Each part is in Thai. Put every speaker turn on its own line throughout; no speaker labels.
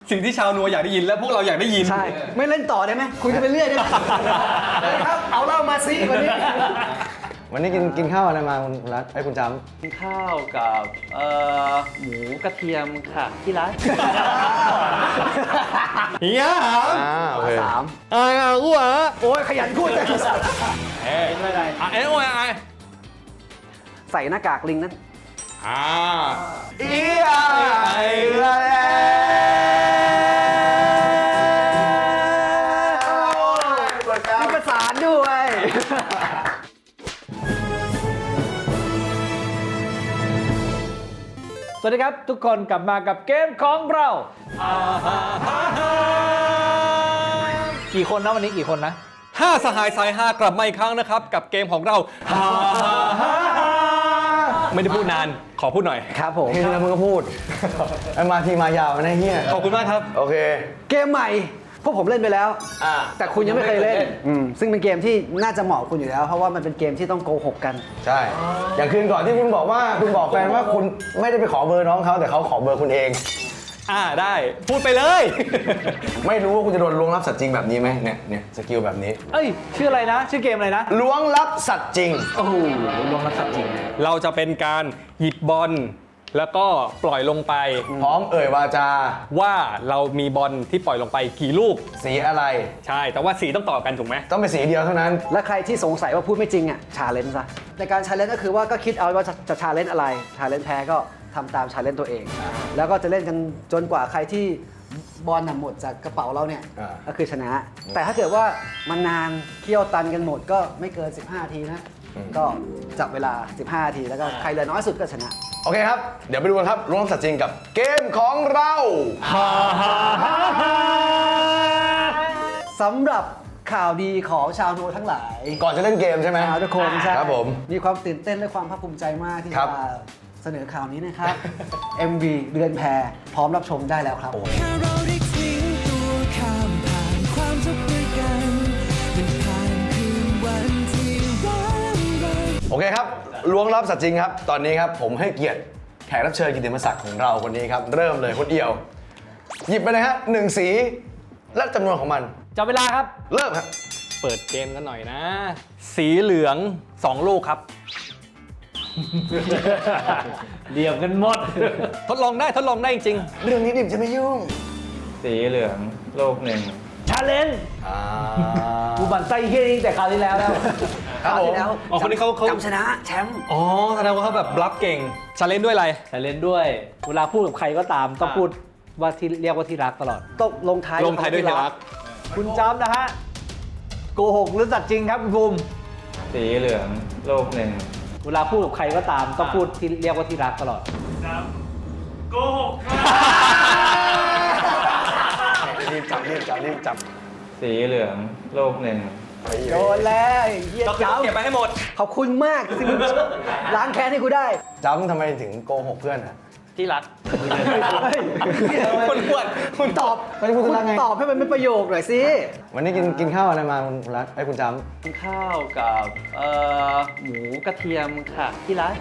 สิ่งที่ชาวนัวอยากได้ยินและพวกเราอยากได้ยิน
ใช่ไม่เล่นต่อได้ไหมคุยกันไปเรื่อยได้ไหมครับเอาเหล้ามาซิวันนี้
วันนี้กินข้าวอะไรมาคุณรัฐไอ้คุณจ
กินข้าวกับหมูกระเทียมค่ะที่ร้าน
เฮีย
ำโอเค
สาม
กูอ่ะ
โอ้ยขยันพูดจัง
ไม่ได้
เอ้ยโอ้ย
ใส่หน้ากากลิงนั้น
อีไอ
มีประสานด้วย
สวัสดีครับทุกคนกลับมากับเกมของเรากี่คนนะวันนี้กี่คนนะ
5 สหายสาย5กลับมาอีกครั้งนะครับกับเกมของเราไม่ได้พูดนานขอพูดหน่อย
ครับผม
เฮ้ยแล้วมึงก็พูดไอ้มาทีมายาวนะเฮีย
ขอบคุณมากครับ
โอเค
เกมใหม่พวกผมเล่นไปแล้ว แต่คุณยังไม่เคยเล่นซึ่งเป็นเกมที่น่าจะเหมาะคุณอยู่แล้ว เพราะว่ามันเป็นเกมที่ต้องโกหกกัน
ใช่ อย่างคืนก่อนที่คุณบอกว่าคุณบอกแฟนว่าคุณไม่ได้ไปขอเบอร์น้องเขาแต่เขาขอเบอร์คุณเอง
ได้พูดไปเลย
ไม่รู้ว่าคุณจะโดนล้วงลับสัตว์จริงแบบนี้ไหมเนี่ยสกิลแบบนี้
เอ้ยชื่ออะไรนะชื่อเกมอะไรนะ
ล้วงลับสัตว์จริง
โอ้โหลงรับสัตว์จริง
เราจะเป็นการหยิบบอลแล้วก็ปล่อยลงไป
พร้อมเอ่ยวาจา
ว่าเรามีบอลที่ปล่อยลงไปกี่ลูก
สีอะไร
ใช่แต่ว่าสีต้องต่อกันถูกไหม
ต้องเป็นสีเดียวเท่านั้น
และใครที่สงสัยว่าพูดไม่จริงอ่ะชาเลนจ์ซะในการชาเลนจ์ก็คือว่าก็คิดเอาว่าจะชาเลนจ์อะไรชาเลนจ์แพ้ก็ทำตามชาเลนจ์ตัวเอง แล้วก็จะเล่นกันจนกว่าใครที่บอลน่ะหมดจากกระเป๋าเราเนี่ย
อ่า
ก็คือชนะ แต่ถ้าเกิดว่ามันนานเคี่ยวตันกันหมดก็ไม่เกิน 15 นาทีนะก็จับเวลา 15 นาทีแล้วก็ใครเหลือน้อยสุดก็ชนะ
โอเคครับ เดี๋ยวไปดูกันครับล้วงลับสัตว์จริงกับเกมของเรา
สำหรับข่าวดีของชาวโนทั้งหลาย
ก่อนจะเล่นเกมใช่ไหม
ชาวทุกคนใช่
ครับผม
มีความตื่นเต้นและความภาคภูมิใจมากที่
ครั
จะ
บ
เสนอข่าวนี้นะครับ MV เดือนแพรพร้อมรับชมได้แล้วครับ
แค่เราได้ทิ้งตัวข้ามผ่านความทุกข์ด้วยกันได้ผ่านคืนวันที่ร้างรน
โอเคครับล้วงลับสัตว์จริงครับ ตอนนี้ครับผมให้เกียรติแขกรับเชิญกิตติมศักดิ์ของเราคนนี้ครับ เริ่มเลยคนเดียว หยิบไปเลยฮะ1สีและจำนวนของมัน
จับเวลาครับ
เริ่มครับ
เปิดเกมกันหน่อยนะ สีเหลือง 2 ลูกครับ
เดี่ยวกันหมด
ทดลองได้จริง
เรื่องนี้ดิบจะไม่ยุ่ง
สีเหลืองโลกหนึ่ง
ชาเลนจ์กูบันไส้เฮี้ยนี่แต่คราวที่แล้ว
ครับผม
อ๋อคนนี้เขา
จำชนะแชมป์
อ๋อแสดงว่าเขาแบบบลัฟเก่งชาเลนจ์ด้วยอะไร
ชาเลนจ์ด้วย เวลาพูดกับใครก็ตามต้องพูดว่าที่เรียกว่าที่รักตลอด
ต้องลงท้าย
ลงท้ายด้วยที่รัก
คุณจำนะฮะโกหกหรือสัตว์จริงครับคุณภูมิ
สีเหลืองโลกหนึ่ง
เวลาพูดกับใครก็ตามต้องพูดที่เรียกว่าที่รักตลอด
รีบจับ
สีเหลืองโลกหนึ่ง
โดนแล้วไอ้เฮีย
ก็คือต้องเก็บ
จำ
ไปให้หมด
ขอบคุณมากที่มึงล้างแค้นให้กูได้
จำทำไมถึงโกหกเพื่อนอ่ะ
ที่รัก
คุณปวดคุณ
ตอบ
ไม่ได้พูดถึงรักไง
ตอบให้มันเป็นประโยคหน่อยสิ
วันนี้กินข้าวอะไรมาคุณรัฐไอ้คุณจ
กินข้าวกับหมูกระเทียมค่ะที่ร้าน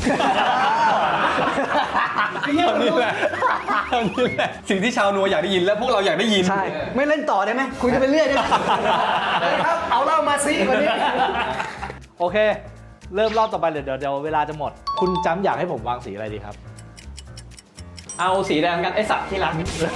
เท่านี้แหละสิ่งที่ชาวนัวอยากได้ยินและพวกเราอยากได้ยิน
ใช่ไม่เล่นต่อได้ไหมคุยกันไปเรื่อยได้ไหมครับเอาเหล้ามาซิวันนี้
โอเค เริ่มรอบต่อไปเลยเดี๋ยวเวลาจะหมด คุณจำอยากให้ผมวางสีอะไรดีครับ
เอาสีแดงกันไอสัตว์ที่รัก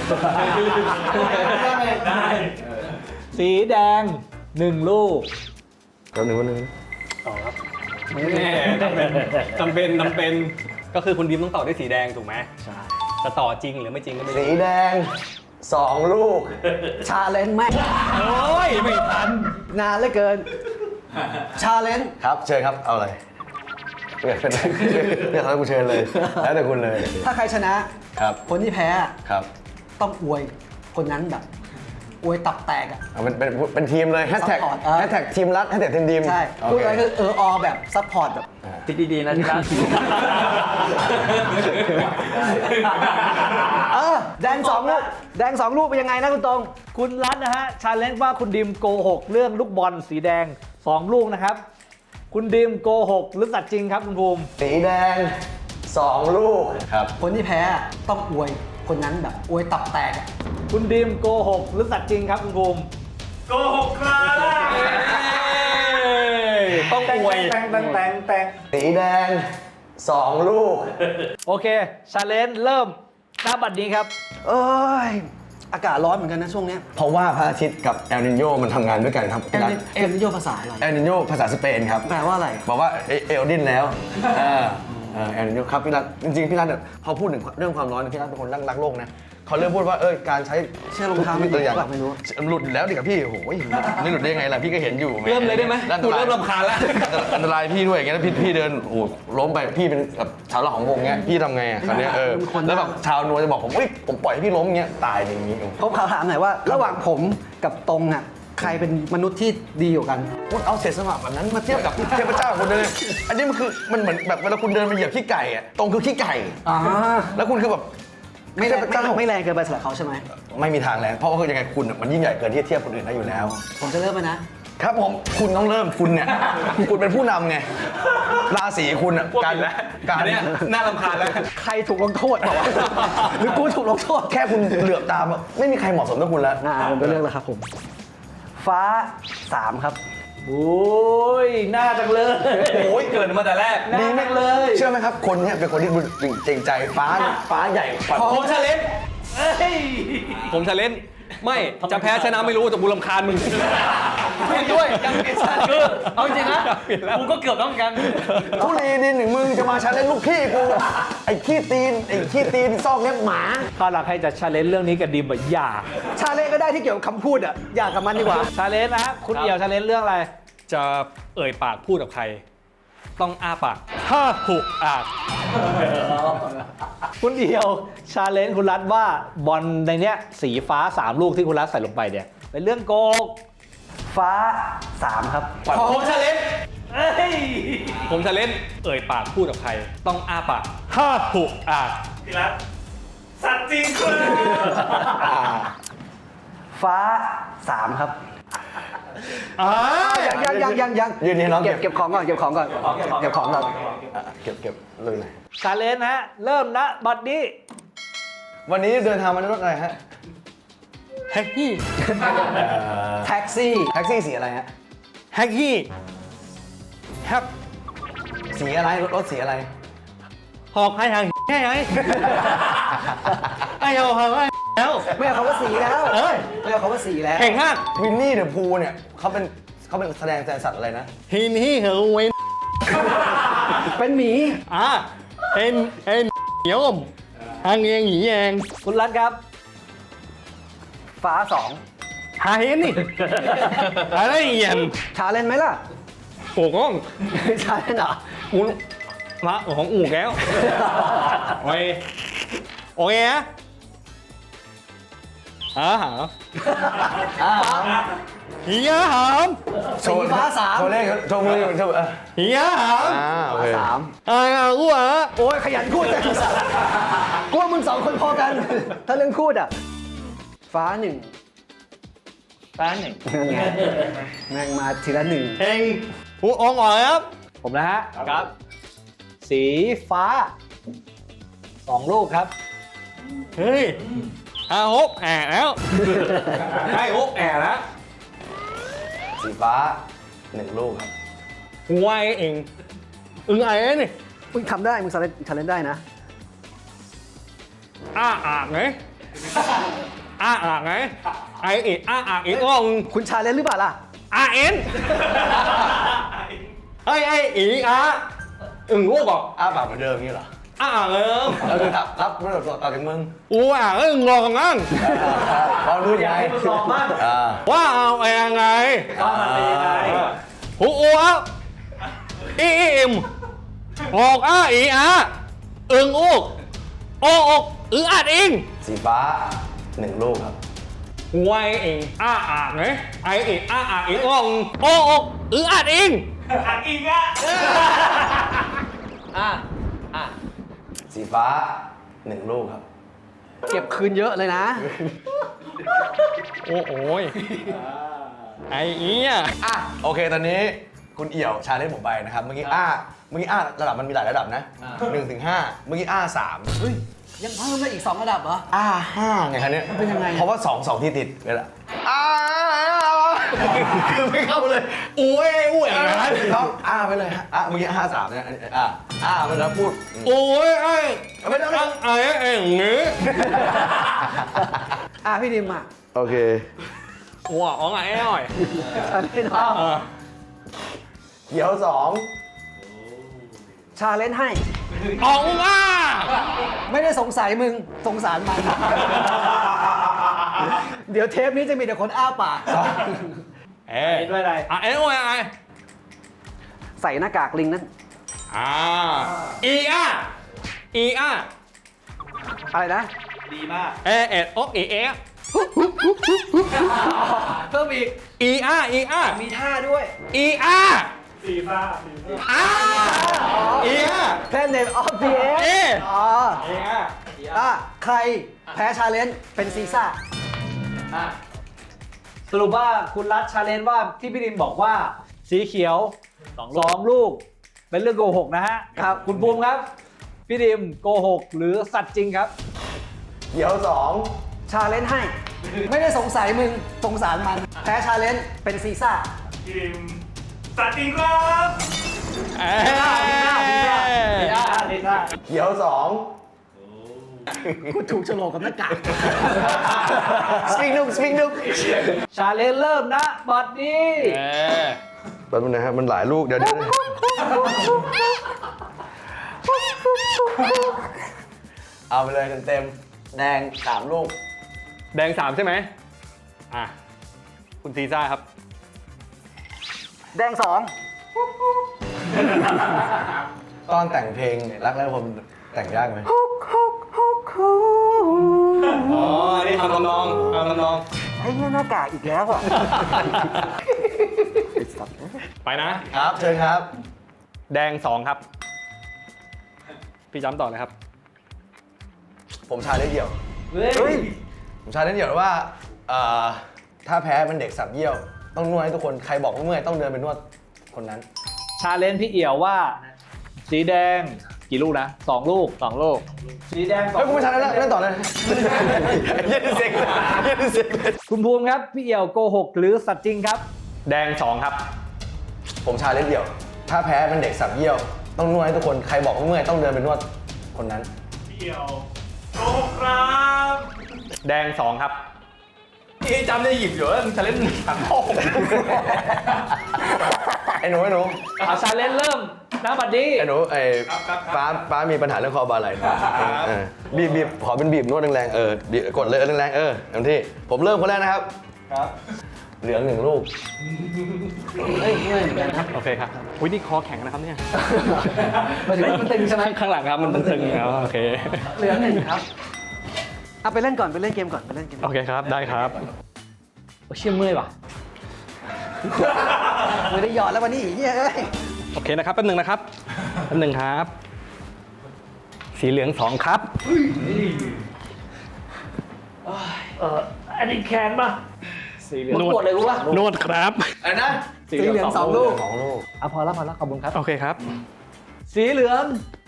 สีแดง 1 ลูก
ำแป๊บนึง
แน่จำเป็นก็คือคุณดิมต้องต่อด้วยสีแดงถูกไหมใช่จะต่อจริงหรือไม่จริงก็ไม่
สี
รู้
แดง2 ลูก
ชาเลนจ์แม่ง
โอ้ยไม่ทัน
นานเหลือเกิน ชาเลนจ์
ครับเชิญครับเอาอะไรเรียกเขากูเชิญเลย แล้วแต่คุณเลย
ถ้าใครชนะครับ คนที่แพ้
ครับ
ต้องอวยคนนั้นแบบ อวยตับแตกอ่ะ
เอาเป็นทีมเลยแฮชแท็ก
Support
แฮชแท็กทีมรัฐแฮชแท็กทีมดีม
ใช่
โอ
พูด
เค
อะไรคืออแบบซัพพอร์ตแบบ
คิดดีๆนะที่รัก
แดง2 ลูก แดง 2 ลูกเป็นยังไงนะคุณตรง
คุณรัฐนะฮะชาเลนจ์ว่าคุณดิมโกหกเรื่องลูกบอลสีแดง 2 ลูกนะครับ คุณดิมโกหกหรือสัตว์จริงครับคุณภูมิ
สีแดง2 ลูกครับ
คนที่แพ้ต้องอวยคนนั้นแบบอวยตับแตกอะ
คุณดิมโกหกหรือสัตว์จริงครับคุณภูมิ
ต้องอวย
แต่ง
สีแดง 2 ลูก
โอเคชาเลนจ์เริ่มณบัดนี้ครับ
เอ้ย อากาศร้อนเหมือนกันนะช่วงเนี้ย
เพราะว่าพระอาทิตย์กับเอลนิโยมันทำงานด้วยกันครับ
เอ็นนิโยภาษาอะไร
เอลนิโยภาษาสเปนครับ
แปลว่าอะไร
บอกว่าเอลดินแล้วเอลนิโยครับพี่รัฐจริงๆพี่รัฐเนี่ยพอพูดถึงเรื่องความร้อนพี่รัฐเป็นคนรักโลกนะเขาเริ่มพูดว่าการใช้
เชื่อรองเท้าไม่
ตัวอย่าง
หลุดไม่รู้
หลุดอยู่แล้วดิกับพี่โอ้โหไม่หลุดได้ยังไงล่ะพี่ก็เห็นอยู่
เริ่มเลยได้ไหม
อันต
กู
ราย
เริ่มรำคาญแล้ว
อันตรายพี่ด้วยอย่างเงี้ยแล้วพี่เดินโอ้โหล้มไปพี่เป็นแบบชาวหลักของวงเงี้ยพี่ทำไงอ่ะคราวเนี้ยแล้วแบบชาวนัวจะบอกผมผมปล่อยให้พี่ล้มเงี้ยตายอย่างงี้
ผมขอถามหน่อยว่า ระหว่างผมกับตรงอ่ะใครเป็นมนุษย์ที่ดีกว่ากัน
คุณเอาเศษสมบัติแบบนั้นมาเทียบกับเทพเจ้าคุณเลยอันนี้มันคือมันเหมือนแบบเวลาคุณเดินไปเหยียบขี้ไก่อ่ะตรงคือขี้ไก่
อ่า
แล้วคุณคือแบบ
ไม่แรง
เทพเจ้า
ไม่แรงเกินไปสำหรับเขาใช่ไหม
ไม่มีทางแล้วเพราะว่าคือยังไงคุณมันยิ่งใหญ่เกินที่จะเทียบคนอื่นได้อยู่แล้ว
ผมจะเริ่มไหมนะ
ครับผมคุณต้องเริ่มคุณเนี่ย คุณเป็นผู้นำไงราศีคุณอ่ะ
พวกผิดแล้ว
การ
อันเนี้ยน่ารำคาญแล้ว
ใครถูกลงโทษบอกว่า หรือกูถูกลงโทษ
แค่คุณเหลือบตามอะไม่มีใครเหมาะสมเท่าคุณแล้ว
ผมจะเลือกแล้วครับผม ฟ้า 3 ครับ
โอ้ยน่าจังเลย
โอ้ยเกิดมาแต่แรก
ดีไหม
มากเลย
เชื่อไหมครับ คนเนี้ยเป็นคนที่ดูจริงใจฟ้าใหญ่กว่า
ผมชาเลนจ์
เอ้ย
ผมชาเลนจ์ไม่จะแพ้ชนะไม่รู้แต่กูรำคาญมึงด้วยยังเปลี่ยนชาติคือ
เอาจริงนะกูก็เกือบต้องกัน
ทุลีดินหนึ่งมึงจะมาชาเลนจ์ลูกพี่กูไอ้ขี้ตีนซอกเล็บหมา
ข้าวหลักให้จะชาเลนจ์เรื่องนี้กับดิมแบบอย่า
ชาเล่ก็ได้ที่เกี่ยวกับคำพูดอ่ะ อยากกับมันดีกว่า
ชาเลนจ์นะครับคุณเอี่ยวชาเลนจ์เรื่องอะไร
จะเอ่ยปากพูดกับใคร ต้องอ้าปากห้าหุกอาก
คุณเอี่ยวชาเลนจ์คุณรัฐว่าบอลในเนี้ยสีฟ้า 3 ลูกที่คุณรัฐใส่ลงไปเนี่ยเป็นเรื่องโกหก
ฟ้า 3 ครับ
ผมชาเลนจ์
เอ้ย
ผมชาเลนจ์เอ่ยปากพูดกับใคร ต้องอ้าปากห้าหุกอาก
ฟ้า 3 ครับ ยัง
ยืนนี่น้อง
เก็บของก่อน เก็บของก่อน เก็บของก่อน
เก็บเลยเลย
ชาเลนจ์นะฮะเริ่มณบัดนี้
วันนี้เดินทางมาในรถอะไรฮะ
แฮกกี้
แท็กซี่
แท็กซี่สีอะไรฮะ
แฮกกี้แฮก
สีอะไรรถสีอะไร
หอกให้ทางแค่ไหนไอ้เอาหอกให้แล้ว
ไม่เอาคำว่าสีแล้ว
เอ้ย
ไม่เอาคำว่าสีแล้ว
เก่งมาก
วินนี่เดอะพูเนี่ยเขาเป็นแสดงสัตว์อะไรนะ
ฮินฮีเหอเวน
เป็นหมี
เอ็นเหนียวมทางเองหนีเอง
คุณรัฐครับ
ฟ้า
หาเห็นนี่อะไรเอียน
2 ชาเล่นไหมล่ะ
โป่ง
ชาเล่นเหรอ
อูมาของอู่แก้วโอ้ยโอเคนะหาเฮียหาม
สีฟ้า 3
โชว์เลขโชว์มือโชว์
เฮียหาม
โอเค
อู้อ่ะ
โอ้ยขยันพูดจังกูว่ามึง2 คนพอกัน ถ้าเรื่องพูดอ่ะ ฟ้า 1
ฟ้าหนึ่ง
แม่งมาทีละ 1
เฮงผู้อองอ่อยครับ
ผมนะฮะ
ครับ
สีฟ้า 2 ลูกครับ
เฮ้ยฮกแอบแล้วให้ฮกแอบแล้ว
สีฟ้า1 ลูกครับ
หัวเองอึงไอ้นี่
มึงทำได้ มึงชาเลนได้นะ
อ้าอากไงอ้าอากไงไอเอ็ดอ้าอากอีกอ่อง
คุณชาเลนหรือเปล่าล่ะ
อาเอ็นไอ้อีอาอึ่งลูกบอก
อ้าปากเหมือนเดิมงี้เหรอ
อ้าเอิม
แล้วคือรับไม่ได้ต่อจากมึง
อูอ่ะอึ่งรอของงั้น
เรารู้ยังไง
ลองบ้าง
ว่าเอายังไง
ว่ามันเป็นยังไง
หูอูอ่ะอิมออกอ้าอีอาอึ่งอูกโอกอึ่งอาดอิง
สีฟ้า1 ลูกครับ
หัวเองอ้าอากไงไอเอ็ดอ้าอากอีกอ่องโอกอึ่งอาดอิง
สีฟ้า1 ลูกครับ
เก็บคืนเยอะเลยนะ
โอ้ยไอ้เอี้ย
โอเคตอนนี้คุณเอี่ยวชาเลนจ์ผมไปนะครับ เมื่อกี้ระดับมันมีหลายระดับนะ1 ถึง 5 เมื่อกี้3
เฮ้ย ยยังเพิ่มได้อีก 2 ระดับเหรอ
ห้าไงคะเนี่ย
มันเป็นยังไง
เพราะว่า2ที่ติดเลยล่ะคือไม่เข้าเลยอุ้ยอย่างนั้นต้องไปเลยฮะเมื่อกี้53เนี่ยมันแล้วพูด
โอ้ยไอ้
ไม่ต้อง
ตั้งไอ้อย่างนี้
พี่ดิมอ่ะ
โอเค
ว้าวไอ้หน่อย
ชาเลนจ์หน่อย
เดี๋ยว2
ชาเลนจ์ให้
ออกอ่ะ
ไม่ได้สงสัยมึง สงสารมัน เดี๋ยวเทปนี้จะมีแต่คนอ้าปาก
เอ้ย
ด้วยอะไร
เอ้ยโอ้ยไอ้
ใส่หน้ากากลิงนั่น
อีอ่ะ
อะไรนะ
ดีมาก
เอ็ดโอ๊กอีเอะ
เพิ่มอีก
อีอ่ะ
มีท่าด้วย
อีอ่ะอีอ่ะ
แพนเนตออฟพีเอ
เอ๊ะ
ใครแพ้ชาเลนจ์เป็นซีซ่า
สรุปว่าคุณรัฐชาเลนจ์ว่าที่พี่ดิมบอกว่าสีเขียว2 ลูก เป็นเรื่องโกหกนะฮะ
ครับ
คุณภูมิครับ พี่ดิมโกหกหรือสัตว์จริงครับ
เดี๋ยว
ช
2
าเลนจ์ให้ ไม่ได้สงสัยมึง สงสารมัน แพ้ชาเลนจ์เป็นซีซ่า
สัตว์จริงครับ
เอ้ย
เดี๋ยว2
กูถูกโฉลกกับหน้ากาก
สปิงนุก
ชาเลนจ์เริ่มนะบัดนี้
แป๊บนึงนะครับมันหลายลูกเดี๋ยวเอาไปเลยเต็มๆแดง3 ลูก
แดง3ใช่ไหมคุณซีซ่าครับ
แดง 2
ตอนแต่งเพลงรักแรกผมแต่งยากไหม
อ๋อ นี่ทำทำนอง
ไอ้เนี่ยหน้ากากอีกแล้วอ่ะ
ไปนะ
ครับเชิญครับ
แดง2ครับ พี่จำต่อเลยครับ
ผมชาเล่นเดี่ยว
เฮ้ย
ผมชาเล่นเดี่ยวว่าถ้าแพ้เป็นเด็กสับเยี่ยว ต้องนวดให้ทุกคนใครบอกว่าเมื่อยต้องเดินไปนวดคนนั้น
ชาเลนจ์พี่เอี่ยวว่า สีแดงกี่ลูกนะ2 ลูก สีแดง
เฮ้ยคุณไม่ชาเล่นต่อเลยเย็นเซ็งเลย
คุณภูมิครับ พี่เอี่ยวโกหกหรือสัตว์จริงครับ
แดง2ครับ
ผมชาเล่นเดี่ยว ถ้าแพ้เป็นเด็กสับเยี่ยว ต้องนวดให้ทุกคนใครบอกว่าเมื่อยต้องเดินไปนวดคนนั้น
แดง2ครับพี่จำได้หยิบอยู่แล้วมึงจะเล่น3 6
ไอ้หนู
เอาชาเลนจ์เริ่มนะบัดนี้
ไอ้หนูป้ามีปัญหาเรื่องคอบาไหล่นะบีบขอเป็นบีบนวดแรงๆกดเลยแรงๆเต็มที่ผมเริ่มคนแรกนะครับ
ครับ
เหลือง1 ลูก
เฮ้ยเมื่อยเหมือนกันครับ
โอเคครับอุ้ยนี่คอแข็งนะครับเนี่ย
หมายถึงว่ามันตึงใช่ไหม
ข้างหลังครับ มันตึงๆแล้วโอเค
เหลือ1ครับเอาไปเล่นก่อนไปเล่นเกมก่อนไปเล่นเกม
โอเคครับ ได้ครับ
โอ้เชี่ยเมื่อยว่ะ
ไม่ได้หยอดแล้ววันนี้อีกเฮ้ย
โอเคนะครับแป๊บหนึงนะครับแป๊บหนึงครับ สีเหลือง2ครับ
อันนี้แคนป่ะ
สีเหลือง
กดเลยรู้ป่ะ
นวดครับ
อะไรนะ
สีเหลือง2 ลูก
2 ลูก
อ่ะพอแล้วขอบคุณครับ
โอเคครับ
สีเหลือง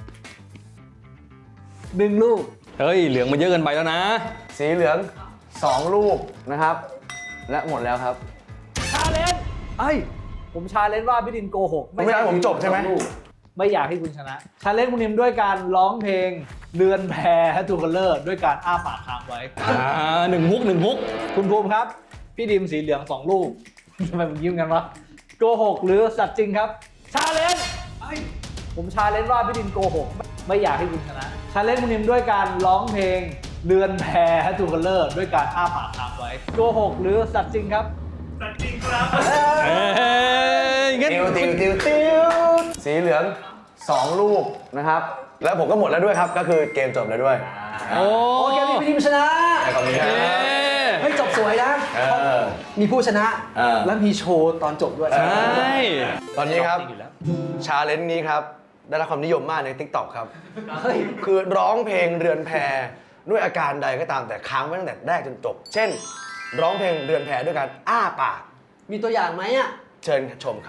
1 ลูก
เฮ้ย เหลืองมันเยอะเกินไปแล้วนะ
สีเหลือง2 ลูกนะครับ และหมดแล้วครับ
ชาเลนจ์ผมชาเลนจ์ว่าพี่ดินโกหก
ไม่ใช่ผมจบใช่ไหม
ไม่อยากให้คุณชนะ ชาเลนจ์คุณดิมด้วยการร้องเพลงเรือนแพทูคัลเลอร์ด้วยการอ้าปากค้างไว้
1 ฮุก 1 ฮุก
คุณภูมิครับ พี่ดิมสีเหลือง2 ลูก ทำไมมันยิ้มกันวะโกหกหรือสัตว์จริงครับ ชาเลนจ์ผมชาเลนจ์ว่าพี่ดิมโกหก ไม่อยากให้คุณชนะ ชาเลนจ์คุณดิมด้วยการร้องเพลงเรือนแพทูคัลเลอร์ด้วยการอ้าปากค้างไว้โกหกหรือสัตว์จริงครับ
เอ้ยงั้น
ติวสีเหลือง2 ลูกนะครับ แล้วผมก็หมดแล้วด้วยครับ ก็คือเกมจบแล้วด้วย
โอ้
โอเคมีพี่ดิมชนะ
ขอบคุณครับ
เฮ้ยจบสวยนะ มีผู้ชนะ แล้วมีโชว์ตอนจบด้วย
ใช่
ตอนนี้ครับ ชาเลนจ์นี้ครับ ได้รับความนิยมมากใน TikTok ครับ
เฮ้ย
คือร้องเพลงเรือนแพด้วยอาการใดก็ตามแต่ค้างไว้ตั้งแต่แรกจนจบ เช่น ร้องเพลงเรือนแพด้วยการอ้าปาก
มีตัวอย่างไหมอ่ะ
เชิญชมครับ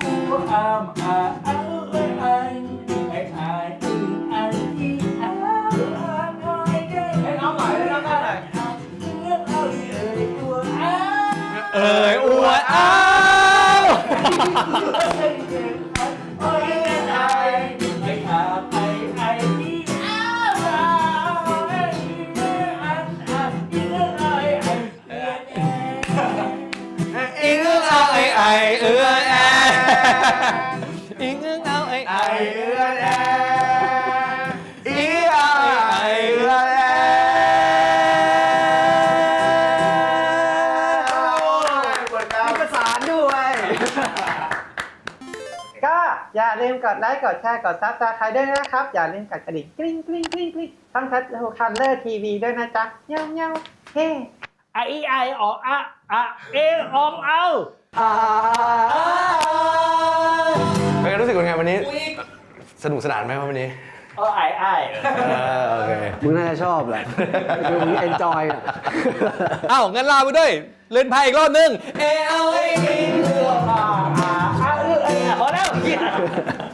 เ
เอ่ยอวดอ้าว อิงเอาไอ้เอื้อแออิงเอาไอ้เอื้อแออิงเอาไอ้เอื้อแอ
มีประสานด้วย
ก็อย่าลืมกดไลค์ กดแชร์ กดซับสไครต์ด้วยนะครับ อย่าลืมกดกระดิ่งกริ๊งกริ๊งกริ๊งกริ๊งทั้งคันเลอร์ทีวีด้วยนะจ๊ะเงี้ยวเงี้ยวเฮ้
ไอออกเอออกเอา
เป็นไงรู้สึกเป็นไงวันนี้ สนุกสนานไหมครับวันนี้
ไอ
โอเค
มึงน่าจะชอบแหละคือมึงเอนจอยอ่ะ
อ้าวงั้นลาไปด้วย เล่นไพ่อีกรอบนึง
พอแล้ว